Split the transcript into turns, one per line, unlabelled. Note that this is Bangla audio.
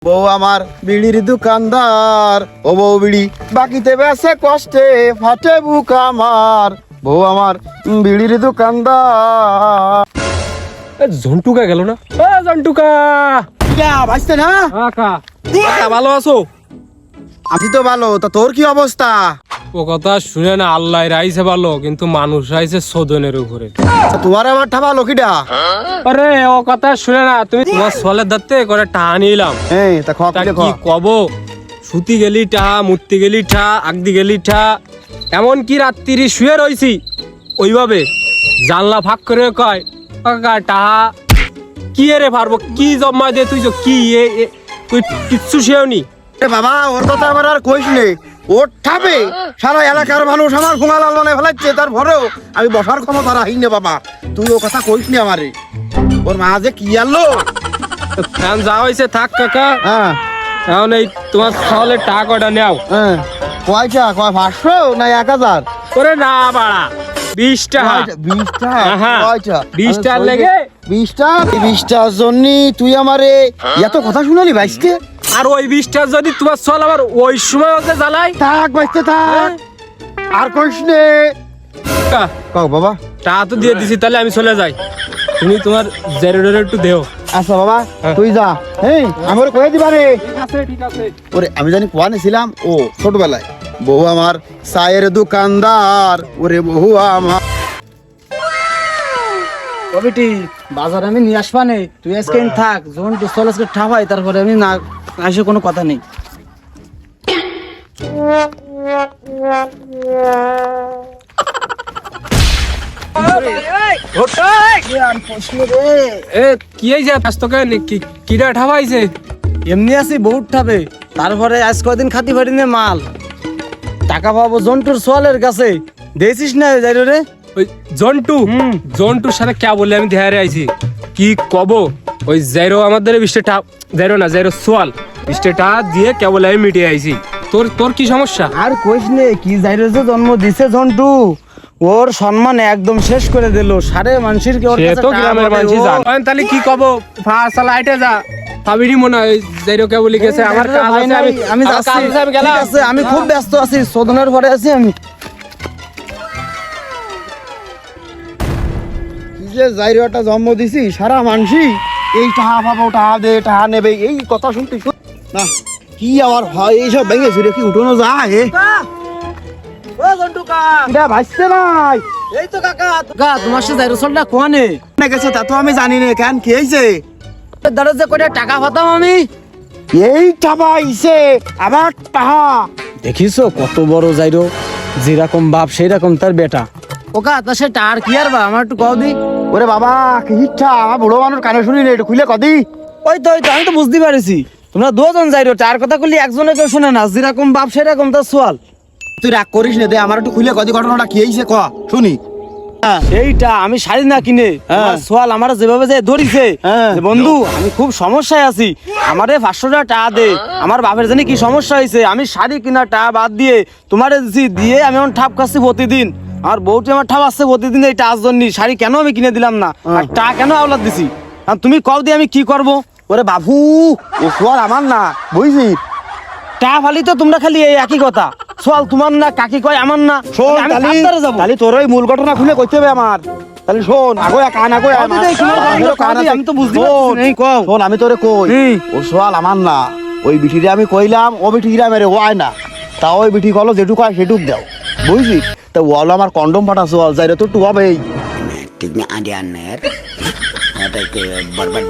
বউ আমার বিড়ির দোকানদার, ও বউ বিড়ি বাকিতে বেসে কষ্টে ফাটে বুক আমার। বউ আমার বিড়ির দোকানদার।
ঝন্টুকা গেল না? ঝন্টুকা
ভাইস্তে না
ভালো আছো?
আমি তো ভালো, তা তোর কি অবস্থা?
ও কথা শুনে না, আল্লাহ রাইছে ভালো, কিন্তু মানুষ রাইছে সদনের উপরে।
তোমার আবার ঠাবা লকিটা।
আরে ও কথা শুনে না, তুমি তোমার সলের দাঁতে করে টাহা নিলাম।
এই তা
কি কব, সুতি গেলি টাহা, মূর্তি গেলি ঠা, আগদি গেলি ঠা, এমন কি রাত্রি শুয়ে রইছি ওইভাবে জানলা ফাঁক করে কয় কাকা টাহা কি রে পারবো কি জমা দে তুই কি তুই কিচ্ছু শেওনি।
বাবা ওর কথা আমার আর কইস নে, ওর ঠাবে সারা এলাকার মানুষ আমার ঘুমালাল মনে ফেলাচ্ছে, তারপরেও আমি বসার ক্ষমতা রাখি না বাবা। তুই ও কথা কইস নি আমারে, ওর মা যে কি আনলো।
এখন যা হয়েছে থাক কাকা,
হ্যাঁ
এখন এই তোমার তাহলে টাকাটা নেও।
হ্যাঁ কয়টা, কয় 500 না 1000?
করে না বাড়া 20 টাকা।
20 টাকা?
হ্যাঁ,
কয়টা?
20 টাকার লেগে
20 টাকা? 20 টাকার জন্য তুই আমারে এত কথা শুনালি ভাইস্তে?
আর ওই 20 টাকা যদি তোমার চল আবার ওই সময় ওকে জ্বালাই
থাক ভাইস্তে থাক, আর কইস নে। কও বাবা।
টাকা তো দিয়ে দিছি, তাহলে আমি চলে যাই, তুমি তোমার জেরোডের একটু দেও।
আচ্ছা বাবা তুই যা, হ্যাঁ আমার কয়ে দিবা রে।
ঠিক আছে ঠিক আছে।
ওরে আমি জানি কোয়ানে ছিলাম, ও ছোটবেলায় বহু আমার চায়ের দোকানদার, ওরে বহু আমার।
কবিটি বাজার আমি নিয়ে আসবা নেই, তুই আজকে থাক, যখন তুই চল আজকে ঠাপাই তারপরে আমি না আসে কোনো কথা নেই।
এ কি এই যে ব্যস্তকে কিরা ঠাবাইছে?
এমনি আছি বহুত ঠাবে, তারপরে আজ কয়দিন খাতি ফাটি নে মাল টাকা পাবো জন্টুর সোয়ালের কাছে, দেখছিস না যাই রে।
ওই জন্টু, জন্টুর সাথে কে বললে আমি দেহারে আইছি কি কব, ওই জেরো আমাদের 20 টাকা, জেরো না জেরো সোয়াল 20 টাকা দিয়ে কে বলে আমি মিটিয়ে আইছি। তোর তোর কি সমস্যা?
আর কইস নে, কি যাই রে যে জন্ম দিছে জন্টু, ওর সম্মান একদম শেষ করে দিল, সারে মানুষের কি ওর
সে
কাছে
তো
টাকা
গ্রামের
পাবে
মানুষই
ও।
জান। তাহলে কি কব, ফাসাল আইটে যা পাবিনি মনে হয়, জেরো কে বলি গেছে আমার কাজ
ভাই
আছে,
নাই, আমি
আমার
যাচ্ছি,
কাজ আছে, আমি গেলাম।
ঠিক আছে, আমি খুব ব্যস্ত আছি, শোধনের পরে আছি আমি।
কি যে জাইরোটা জন্ম দিছি, সারা মানসি এই টাহা পাবো, টাহা দে, টাহা নেবে, এই কথা শুনতে না কি আবার হয় এইসব ভেঙে ছিঁড়ে কি উঠোনো যায়?
ও জন্টু কা,
এটা ভাসছে নাই
এই তো কাকা তোমার সাথে যাইরো চলটা কোয়ানে
না গেছে, তা তো আমি জানি না কেন কি হয়েছে।
দাঁড়া যে কয়টা টাকা পাতাম আমি,
এই টাকা আইছে আবার টাহা।
দেখিছো কত বড় যাইরো, যেরকম বাপ সেই রকম তার বেটা। ওকা তা সে টার কি আর বা আমার একটু কও দি।
ওরে বাবা কি ইচ্ছা, আমার বুড়ো মানুষ কানে শুনি না, একটু খুলে কদি।
ওই তো আমি তো বুঝতে পারিছি, তোমরা দুজন যাইরো, টার কথা কইলি একজনে কেউ শুনে না, যেরকম বাপ সেরকম তার সোয়াল।
তুই রাগ করিস না, দে আমার একটু খুলে কদি, ঘটনাটা কি হয়েছে ক শুনি।
এইটা আমি শাড়ি না কিনে আমার সোয়াল আমার যেভাবে যে ধরিছে, যে বন্ধু আমি খুব সমস্যায় আছি, আমারে 500 টাকা দে, আমার বাপের জানি কি সমস্যা হয়েছে, আমি শাড়ি কিনা টাকা বাদ দিয়ে তোমারে দিছি, দিয়ে আমি এখন ঠাপ খাচ্ছি প্রতিদিন, আর বউটি আমার ঠাপ আসছে প্রতিদিন এই টাচ জন্য, শাড়ি কেন আমি কিনে দিলাম না, আর টাকা কেন আওলাদ দিছি, আর তুমি কও দিয়ে আমি কি করব।
ওরে বাবু ও সোয়াল আমার না, বুঝলি?
টাকা ফালি তো তোমরা খালি এই একই কথা, সোয়াল তোমার না, কাকি কয় আমার না,
শোন
আমি
তালি,
সাবধানে যাবো।
তালি তোর ওই মূল ঘটনা খুলে কইতে হবে আমার। তাহলে শোন আগো কান আগো
কও দিদি, তোমার কান আছে, আমি তো বুঝতে পারছি না, এই কও।
শোন আমি তোরে কই, ও সোয়াল আমার না, ওই বিটিরে আমি কইলাম, ও বিটিরা মেরে ও আয় না, তা ওই বিটি কলো যেটুক হয় সেটুক দাও, বুঝলি? তা ওয়াল আমার কন্ডম ফাটা সোয়াল যাইরে তো টু হবেই।
tignya ada aner ada ke barbar